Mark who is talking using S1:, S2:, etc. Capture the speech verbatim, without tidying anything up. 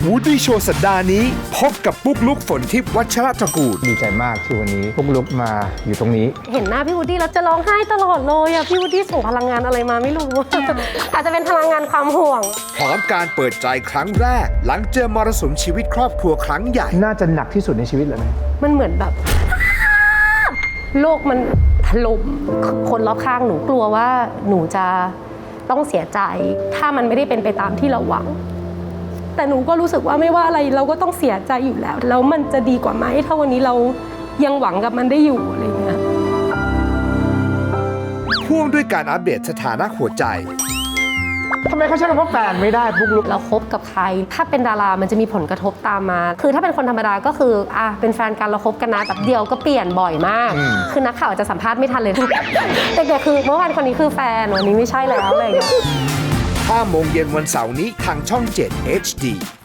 S1: วูดดี้โชว์สัปดาห์นี้พบกับปุ๊กลุกฝนทิพย์วัชรตระกูล
S2: ดีใจมากที่วันนี้ปุ๊กลุกมาอยู่ตรงนี้
S3: เห็นหน้าพี่วูดดี้แล้วจะร้องไห้ตลอดเลยอะพี่วูดดี้ส่งพลังงานอะไรมาไม่รู้ อาจจะเป็นพลังงานความห่วง
S1: พร้อมการเปิดใจครั้งแรก หลังเจอมรสุมชีวิตครอบครัวครั้งใหญ่
S2: น่าจะหนักที่สุดในชีวิตเลยไหม
S3: มันเหมือนแบบ โลกมันถล่มคนรอบข้างหนูกลัวว่าหนูจะต้องเสียใจ ถ้ามันไม่ได้เป็นไปตามที่เราหวัง แต่หนูก็รู้สึกว่าไม่ว่าอะไรเราก็ต้องเสียใจอยู่แล้วแล้วมันจะดีกว่าไหมถ้าวันนี้เรายังหวังกับมันได้อยู่อะไรอย่างเงี้ย
S1: พ่วงด้วยการอัปเดตสถานะหัวใจ
S2: ทำไมเขาใช้คำว่าแฟนไม่ได้ปุ๊กลุก
S3: เราคบกับใครถ้าเป็นดารามันจะมีผลกระทบตามมา คือถ้าเป็นคนธรรมดาก็คืออ่ะเป็นแฟนกันเราคบกันนะแบบเดียวก็เปลี่ยนบ่อยมาก คือนักข่าวจะสัมภาษณ์ไม่ทันเลย เด็กๆคือเมื่อวานคนนี้คือแฟนวันนี้ไม่ใช่แล้วอะไรอย่างเงี้ย
S1: ห้าโมงเย็นวันเสาร์นี้ทางช่อง เจ็ด เอช ดี